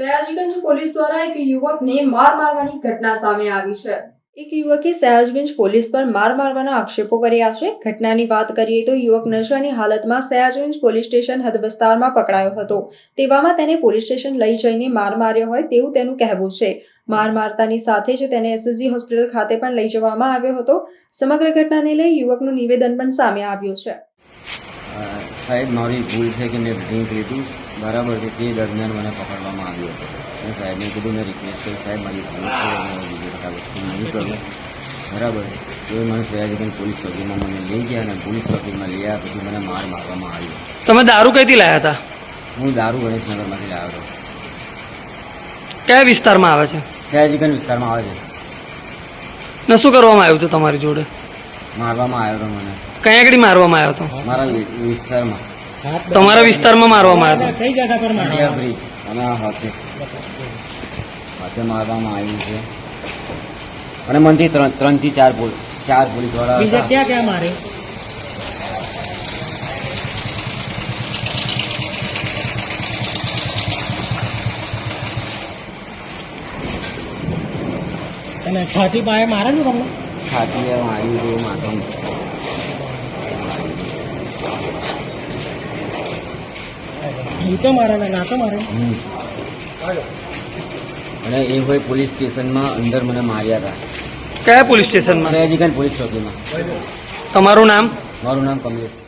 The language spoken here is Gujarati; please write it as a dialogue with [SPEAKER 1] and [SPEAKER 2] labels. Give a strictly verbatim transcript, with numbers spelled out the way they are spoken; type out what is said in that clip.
[SPEAKER 1] સયાજીગંજ પોલીસ દ્વારા એક યુવકને માર મારવાની ઘટના સામે આવી છે। એક યુવકે સયાજગંજ પોલીસ પર માર મારવાના આક્ષેપો કર્યા છે। ઘટનાની વાત કરીએ તો યુવક નશાની હાલતમાં સયાજગંજ પોલીસ સ્ટેશન હદ વિસ્તારમાં પકડાયો હતો। તેવામાં તેને પોલીસ સ્ટેશન લઈ જઈને માર માર્યો હોય તેવું તેનું કહેવું છે। માર મારતાની સાથે જ તેને એસએસજી હોસ્પિટલ ખાતે પણ લઈ જવામાં આવ્યો હતો। સમગ્ર ઘટનાને લઈ યુવકનું નિવેદન પણ સામે આવ્યું છે।
[SPEAKER 2] સાહેબ, મારી ભૂલ છે કે મેં ડ્રિંક લીધું બરાબર છે, તે દરમિયાન મને પકડવામાં આવ્યો હતો। મેં સાહેબને કીધું, મેં રિક્વેસ્ટ કરી, સાહેબ મારી ભૂલ છે, હું બીજી વખત આ વસ્તુ નહીં કરું બરાબર છે। તો મને સયાજીગંજ પોલીસ ચોકીમાં મને લઈ ગયા અને પોલીસ ચોકીમાં લઈ આવ્યા પછી મને માર મારવામાં આવ્યો।
[SPEAKER 3] તમે દારૂ કઈથી લાયા હતા?
[SPEAKER 2] હું દારૂ ગણેશનગરમાંથી લાવ્યો હતો।
[SPEAKER 3] કયા વિસ્તારમાં આવે છે?
[SPEAKER 2] સયાજીગંજ વિસ્તારમાં આવે છે।
[SPEAKER 3] ને શું કરવામાં આવ્યું હતું તમારી જોડે?
[SPEAKER 2] મારવામાં આવ્યો હતો મને।
[SPEAKER 3] કઈ આગળ મારવામાં આવ્યો હતો?
[SPEAKER 2] મારા વિસ્તારમાં,
[SPEAKER 3] તમારા વિસ્તારમાં મારવામાં આવ્યો હતો?
[SPEAKER 4] કઈ જગ્યા પર
[SPEAKER 2] ઇન્ડિયા બ્રિજ અને આ હાથે હાથે મારવામાં આવ્યું છે અને મનથી ત્રણ ત્રણ થી ચાર પોલીસ ચાર પોલીસ વાળા
[SPEAKER 4] બીજા ક્યાં ક્યાં મારે? અને છાતી પાસે મારે ને તમને?
[SPEAKER 2] છાતી માર્યું છે, માથામાં
[SPEAKER 4] ભૂતો મારે ને નાતો મારે?
[SPEAKER 2] હમ. અને એ હોય પોલીસ સ્ટેશનમાં અંદર મને માર્યા હતા।
[SPEAKER 3] કયા પોલીસ સ્ટેશનમાં?
[SPEAKER 2] સયાજીગંજ પોલીસ ચોકીમાં।
[SPEAKER 3] તમારું નામ?
[SPEAKER 2] મારું નામ કમલેશ।